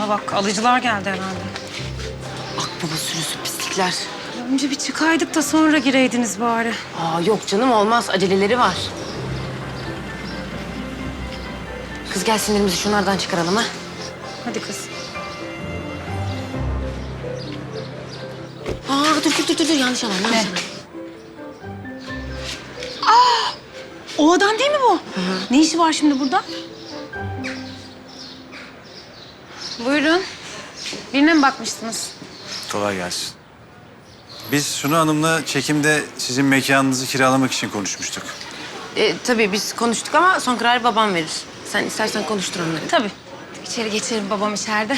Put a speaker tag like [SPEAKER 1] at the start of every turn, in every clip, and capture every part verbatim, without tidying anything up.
[SPEAKER 1] Bana bak, alıcılar geldi herhalde.
[SPEAKER 2] Akbaba sürüsü pislikler.
[SPEAKER 1] Önce bir çıkaydık da sonra gireydiniz bari.
[SPEAKER 2] Aa yok canım olmaz. Aceleleri var. Kız gel sinirimizi şunlardan çıkaralım ha.
[SPEAKER 1] Hadi kız.
[SPEAKER 2] Aa dur dur dur dur, dur. yanlış alan yanlış
[SPEAKER 1] Ne?
[SPEAKER 2] alan.
[SPEAKER 1] O adam değil mi bu? Hı hı. Ne işi var şimdi burada? Buyurun. Birine mi bakmıştınız?
[SPEAKER 3] Kolay gelsin. Biz Sunu Hanım'la çekimde sizin mekanınızı kiralamak için konuşmuştuk.
[SPEAKER 2] Ee, tabii biz konuştuk ama son kararı babam verir. Sen istersen konuştur onları.
[SPEAKER 1] Tabii. İçeri geçelim, babam içeride.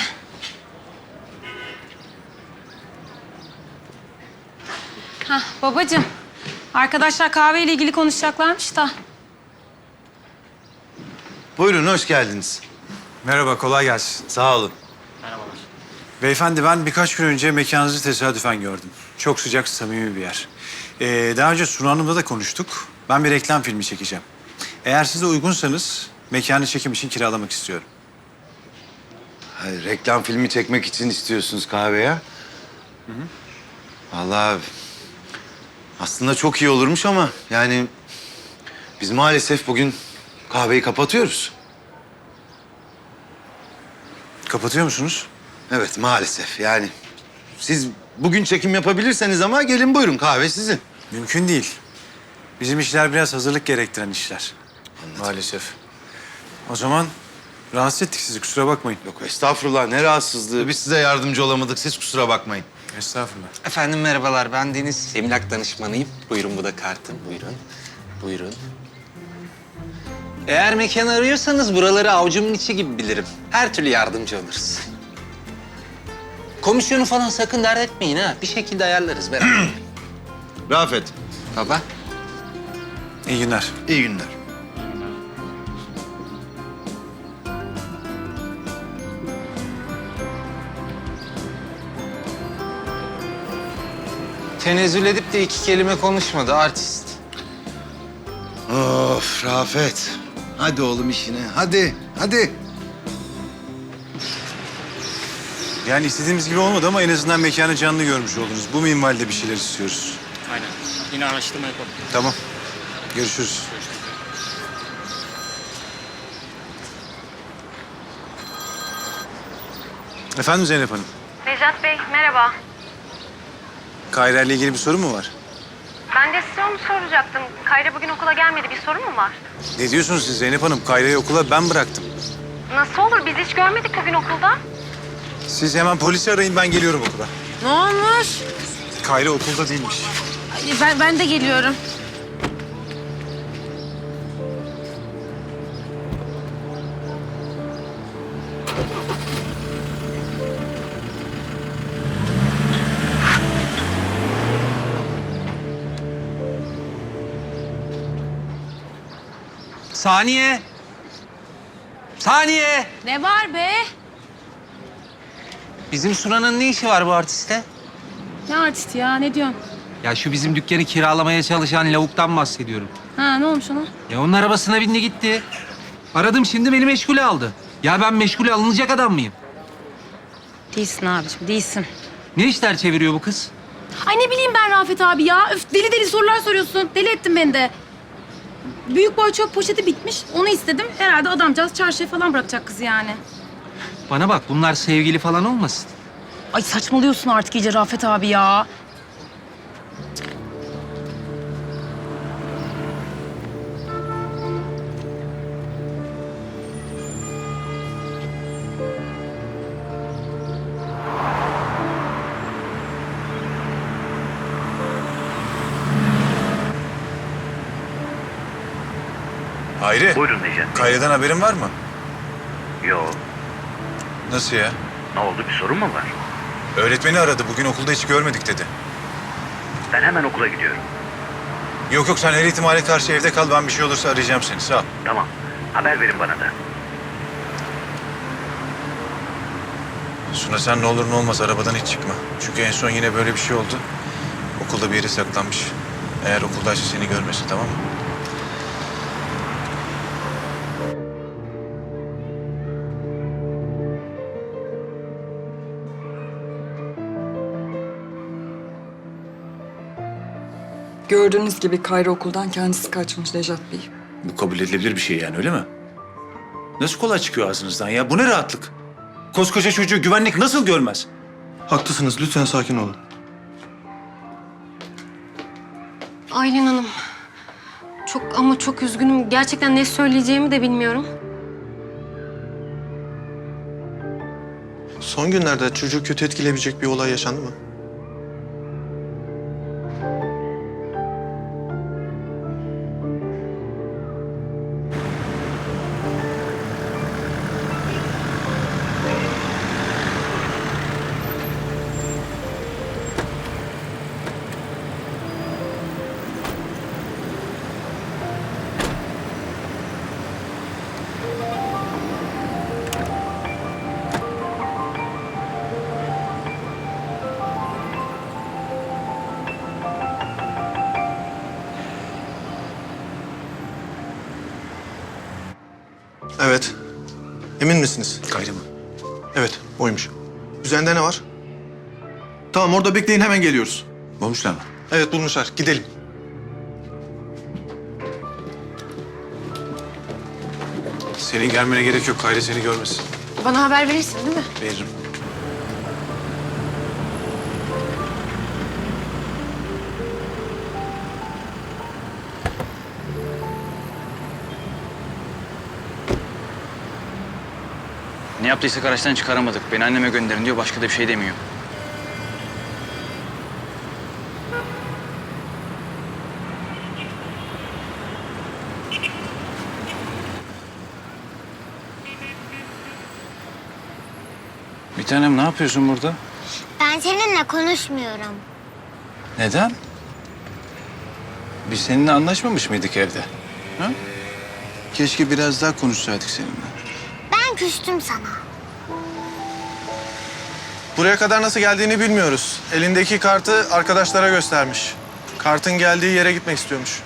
[SPEAKER 1] Hah, babacığım. Arkadaşlar kahveyle ilgili konuşacaklarmış da.
[SPEAKER 4] Buyurun, hoş geldiniz.
[SPEAKER 3] Merhaba, kolay gelsin.
[SPEAKER 4] Sağ olun.
[SPEAKER 3] Beyefendi, ben birkaç gün önce mekanınızı tesadüfen gördüm. Çok sıcak, samimi bir yer. Ee, daha önce Sunu Hanım'la da konuştuk. Ben bir reklam filmi çekeceğim. Eğer siz de uygunsanız mekanı çekim için kiralamak istiyorum.
[SPEAKER 4] Hayır, reklam filmi çekmek için istiyorsunuz kahveye. Hı hı. Vallahi aslında çok iyi olurmuş ama yani biz maalesef bugün kahveyi kapatıyoruz.
[SPEAKER 3] Kapatıyor musunuz?
[SPEAKER 4] Evet, maalesef yani. Siz bugün çekim yapabilirseniz ama gelin buyurun, kahve sizin.
[SPEAKER 3] Mümkün değil. Bizim işler biraz hazırlık gerektiren işler.
[SPEAKER 4] Anladım.
[SPEAKER 3] Maalesef. O zaman rahatsız ettik sizi, kusura bakmayın.
[SPEAKER 4] Yok estağfurullah, ne rahatsızlığı. Biz size yardımcı olamadık, siz kusura bakmayın.
[SPEAKER 3] Estağfurullah.
[SPEAKER 5] Efendim merhabalar, ben Deniz. Emlak danışmanıyım. Buyurun, bu da kartım. Buyurun, buyurun. Eğer mekan arıyorsanız buraları avucumun içi gibi bilirim. Her türlü yardımcı oluruz. Komisyonu falan sakın dert etmeyin ha. Bir şekilde ayarlarız beraber.
[SPEAKER 4] Rafet,
[SPEAKER 5] Baba.
[SPEAKER 3] İyi günler.
[SPEAKER 4] iyi günler.
[SPEAKER 5] Tenezzül edip de iki kelime konuşmadı artist.
[SPEAKER 4] Of Rafet. Hadi oğlum işine, hadi, hadi.
[SPEAKER 3] Yani istediğimiz gibi olmadı ama en azından mekanı canlı görmüş oldunuz. Bu minvalde bir şeyler istiyoruz.
[SPEAKER 6] Aynen. Yine araştırma yapalım.
[SPEAKER 3] Tamam. Görüşürüz. Efendim Zeynep Hanım.
[SPEAKER 7] Necat Bey, merhaba.
[SPEAKER 3] Kayra ile ilgili bir sorun mu var?
[SPEAKER 7] Ben de size onu soracaktım. Kayra bugün okula gelmedi. Bir sorun mu var?
[SPEAKER 3] Ne diyorsunuz siz Zeynep Hanım? Kayra'yı okula ben bıraktım.
[SPEAKER 7] Nasıl olur? Biz hiç görmedik bugün okulda.
[SPEAKER 3] Siz hemen polisi arayın, ben geliyorum okula.
[SPEAKER 2] Ne olmuş?
[SPEAKER 3] Kayra okulda değilmiş.
[SPEAKER 2] Ay, Ben, ben de geliyorum.
[SPEAKER 5] Saniye. Saniye.
[SPEAKER 2] Ne var be?
[SPEAKER 5] Bizim Sunan'ın ne işi var bu artiste?
[SPEAKER 1] Ne artist ya, ne diyorsun?
[SPEAKER 5] Ya şu bizim dükkanı kiralamaya çalışan lavuktan bahsediyorum.
[SPEAKER 1] Ha, ne olmuş ona?
[SPEAKER 5] Ya onun arabasına bindi gitti. Aradım şimdi beni meşgule aldı. Ya ben meşgule alınacak adam mıyım?
[SPEAKER 1] Değilsin abiciğim, değilsin.
[SPEAKER 5] Ne işler çeviriyor bu kız?
[SPEAKER 1] Ay ne bileyim ben Rafet abi ya. Öf, deli deli sorular soruyorsun. Deli ettin beni de. Büyük boy çöp poşeti bitmiş. Onu istedim. Herhalde adamcağız çarşıya falan bırakacak kızı yani.
[SPEAKER 5] Bana bak bunlar sevgili falan olmasın.
[SPEAKER 1] Ay saçmalıyorsun artık iyice Rafet abi ya.
[SPEAKER 3] Hayri.
[SPEAKER 8] Buyurun Necat Bey.
[SPEAKER 3] Kayra'dan haberin var mı?
[SPEAKER 8] Yo,
[SPEAKER 3] Nasıl ya?
[SPEAKER 8] ne oldu, bir sorun mu var?
[SPEAKER 3] Öğretmeni aradı. Bugün okulda hiç görmedik dedi.
[SPEAKER 8] Ben hemen okula gidiyorum.
[SPEAKER 3] Yok yok, sen her ihtimale karşı evde kal. Ben bir şey olursa arayacağım seni. Sağ ol.
[SPEAKER 8] Tamam, haber verin bana da.
[SPEAKER 3] Suna sen ne olur ne olmaz arabadan hiç çıkma. Çünkü en son yine böyle bir şey oldu. Okulda bir yere saklanmış. Eğer okuldaysa seni görmesin, tamam mı?
[SPEAKER 9] Gördüğünüz gibi Kayra okuldan kendisi kaçmış Nejat Bey.
[SPEAKER 3] Bu kabul edilebilir bir şey yani, öyle mi? Nasıl kolay çıkıyor ağzınızdan ya? Bu ne rahatlık? Koskoca çocuğu güvenlik nasıl görmez?
[SPEAKER 10] Haklısınız. Lütfen sakin olun.
[SPEAKER 7] Aylin Hanım. Çok ama çok üzgünüm. Gerçekten ne söyleyeceğimi de bilmiyorum.
[SPEAKER 10] Son günlerde çocuğu kötü etkileyebilecek bir olay yaşandı mı? Evet. Emin misiniz?
[SPEAKER 3] Kayra mı?
[SPEAKER 10] Evet, oymuş. Üzerinde ne var? Tamam, orada bekleyin, hemen geliyoruz.
[SPEAKER 3] Bulmuşlar mı?
[SPEAKER 10] Evet, bulmuşlar. Gidelim.
[SPEAKER 3] Senin gelmene gerek yok. Kayra seni görmesin.
[SPEAKER 2] Bana haber verirsin değil mi?
[SPEAKER 3] Veririm.
[SPEAKER 6] Ne yaptıysak araçtan çıkaramadık. Beni anneme gönderin diyor, başka da bir şey demiyor.
[SPEAKER 3] Bir tanem, ne yapıyorsun burada?
[SPEAKER 11] Ben seninle konuşmuyorum.
[SPEAKER 3] Neden? Biz seninle anlaşmamış mıydık evde? Ha? Keşke biraz daha konuşsaydık seninle.
[SPEAKER 11] Ben küstüm sana.
[SPEAKER 10] Buraya kadar nasıl geldiğini bilmiyoruz. Elindeki kartı arkadaşlara göstermiş. Kartın geldiği yere gitmek istiyormuş.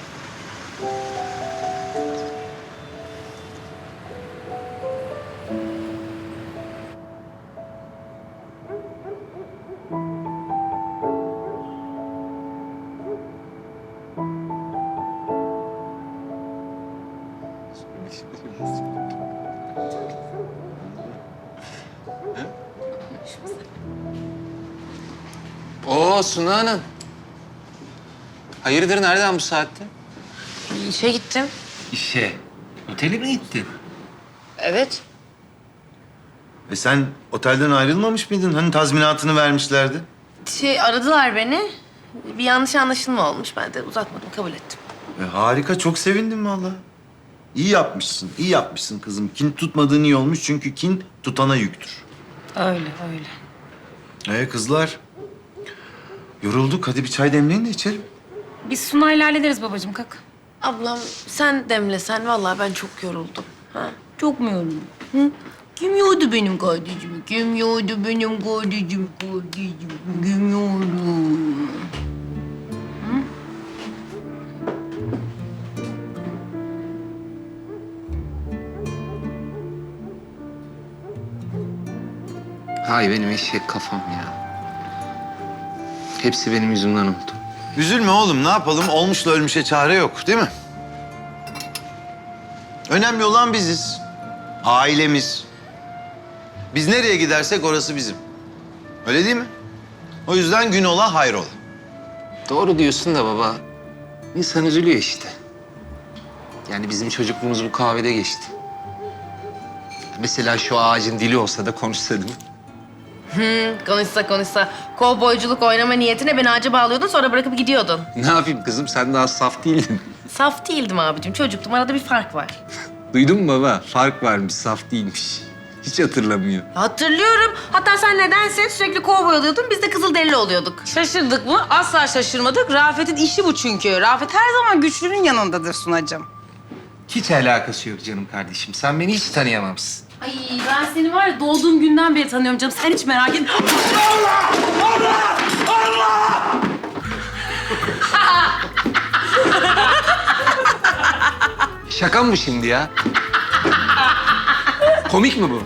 [SPEAKER 5] Oo Suna Hanım. Hayırdır, nereden bu saatte?
[SPEAKER 2] İşe gittim.
[SPEAKER 5] İşe. Otele mi gittin?
[SPEAKER 2] Evet.
[SPEAKER 4] E sen otelden ayrılmamış mıydın? Hani tazminatını vermişlerdi.
[SPEAKER 2] Şey aradılar beni. Bir yanlış anlaşılma olmuş. Ben de uzatmadım, kabul ettim.
[SPEAKER 4] E harika, çok sevindim vallahi. İyi yapmışsın, iyi yapmışsın kızım. Kin tutmadığın iyi olmuş çünkü kin tutana yüktür.
[SPEAKER 2] Öyle, öyle.
[SPEAKER 4] Ee kızlar, yorulduk. Hadi bir çay demleyin de içelim.
[SPEAKER 1] Biz Sunay'la hallederiz babacığım, kalk.
[SPEAKER 2] Ablam sen demlesen, vallahi ben çok yoruldum. Ha?
[SPEAKER 1] Çok mu yoruldun? Hı? Kim yordu benim kardeşimi? Kim yordu benim kardeşim, kardeşim? Kim yordu?
[SPEAKER 5] Hay benim eşek kafam ya. Hepsi benim yüzümden oldu.
[SPEAKER 4] Üzülme oğlum, ne yapalım? Olmuşla ölmüşe çare yok, değil mi? Önemli olan biziz. Ailemiz. Biz nereye gidersek orası bizim. Öyle değil mi? O yüzden gün ola hayrola.
[SPEAKER 5] Doğru diyorsun da baba. İnsan üzülüyor işte. Yani bizim çocukluğumuz bu kahvede geçti. Mesela şu ağacın dili olsa da konuşsa değil mi?
[SPEAKER 2] Hı, konuşsa konuşsa. Kovboyculuk oynama niyetine beni ağaca bağlıyordun, sonra bırakıp gidiyordun.
[SPEAKER 5] Ne yapayım kızım, sen daha saf değildin.
[SPEAKER 2] Saf değildim abicim, çocuktum. Arada bir fark var.
[SPEAKER 5] Duydun mu baba? Fark varmış, saf değilmiş. Hiç hatırlamıyor.
[SPEAKER 2] Hatırlıyorum. Hatta sen nedense sürekli kovboy oluyordun, biz de kızılderili oluyorduk.
[SPEAKER 12] Şaşırdık mı? Asla şaşırmadık. Rafet'in işi bu çünkü. Rafet her zaman güçlünün yanındadır Sunacığım.
[SPEAKER 5] Hiç alakası yok canım kardeşim. Sen beni hiç tanıyamamışsın.
[SPEAKER 1] Ay ben seni var ya doğduğum günden beri tanıyorum canım. Sen hiç merak etme. Allah! Allah! Allah!
[SPEAKER 5] Şaka mı bu şimdi ya? Komik mi bu?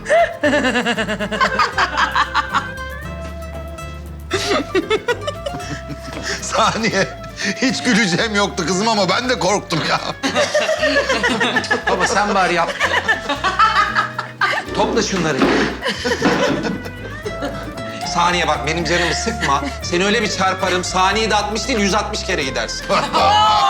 [SPEAKER 4] Saniye. Hiç güleceğim yoktu kızım ama ben de korktum ya.
[SPEAKER 5] Baba sen bari yap. Topla şunları. Saniye bak benim canımı sıkma. Seni öyle bir çarparım. Saniyede altmış değil yüz altmış kere gidersin.